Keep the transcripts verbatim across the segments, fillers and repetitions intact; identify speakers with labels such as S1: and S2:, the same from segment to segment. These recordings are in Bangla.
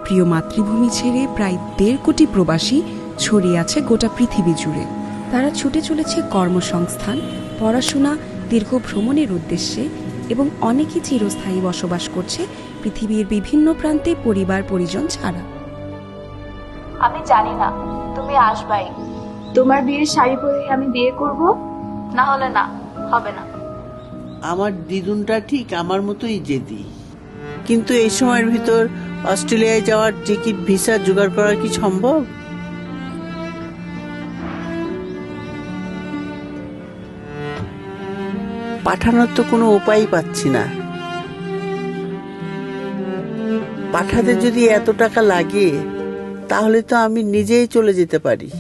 S1: প্রিয় মাতৃভূমি ছেড়ে প্রায় দেড় কোটি প্রবাসী ছড়িয়ে আছে গোটা পৃথিবী জুড়ে। তারা ছুটে চলেছে কর্মসংস্থান, পড়াশোনা, দীর্ঘ ভ্রমণের উদ্দেশ্যে এবং অনেকে চিরস্থায়ী বসবাস করছে পৃথিবীর বিভিন্ন প্রান্তে পরিবার পরিজন ছাড়া।
S2: আমি জানি না তুমি আসবাই।
S3: তোমার বিয়ের শাড়ি পরে আমি বিয়ে করব,
S2: না হলে না, হবে না।
S4: আমার দিদুনটা ঠিক আমার মতোই জেদি, কিন্তু এই সময়ের ভিতর অস্ট্রেলিয়ায় যাওয়ার টিকিট ভিসা জোগাড় করা কি সম্ভব? পাঠানোর তো কোনো উপায় পাচ্ছি না। পাঠাতে যদি এত টাকা লাগে তাহলে তো আমি নিজেই চলে যেতে পারি।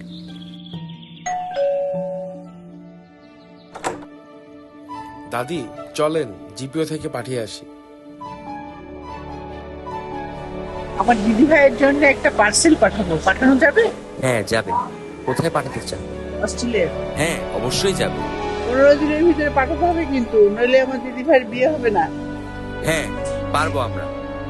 S5: দাদি চলেন জিপিও থেকে পাঠিয়ে আসি।
S4: আমার দিদি ভাইয়ের জন্য একটা পার্সেল পাঠাবো, পাঠানো যাবে?
S6: হ্যাঁ যাবে। কোথায় পাঠাতে চান?
S4: অস্ট্রেলিয়া।
S6: হ্যাঁ অবশ্যই যাবে।
S4: পনেরো দিনের ভিতরে পাঠাতে হবে কিন্তু, নইলে আমার দিদি ভাইয়ের বিয়ে হবে না।
S6: হ্যাঁ পারবো আমরা।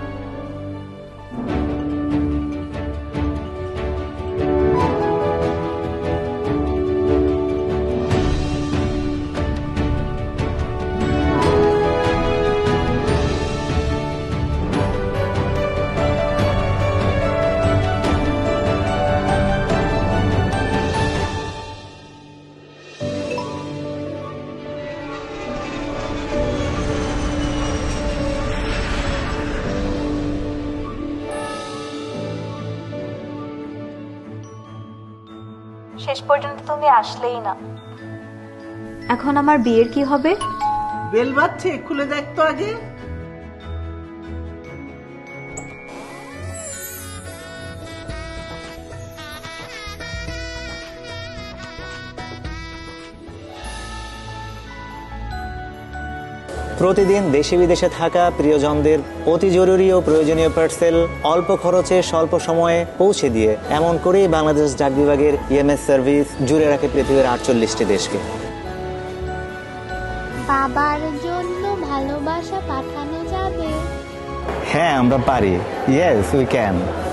S2: শেষ পর্যন্ত তুমি আসলেই না। এখন আমার বিয়ের কি হবে?
S4: বেল বাজছে, খুলে দেখ তো আগে।
S7: প্রতিদিন দেশে বিদেশে থাকা প্রিয়জনদের অতি জরুরি ও প্রয়োজনীয় পার্সেল অল্প খরচে স্বল্প সময়ে পৌঁছে দিয়ে এমন করেই বাংলাদেশ ডাক বিভাগের ইএমএস সার্ভিস জুড়ে রাখে পৃথিবীর আটচল্লিশটি দেশকে।
S8: বাবার জন্য ভালোবাসা পাঠানো যাবে?
S7: হ্যাঁ আমরা পারি। Yes we can.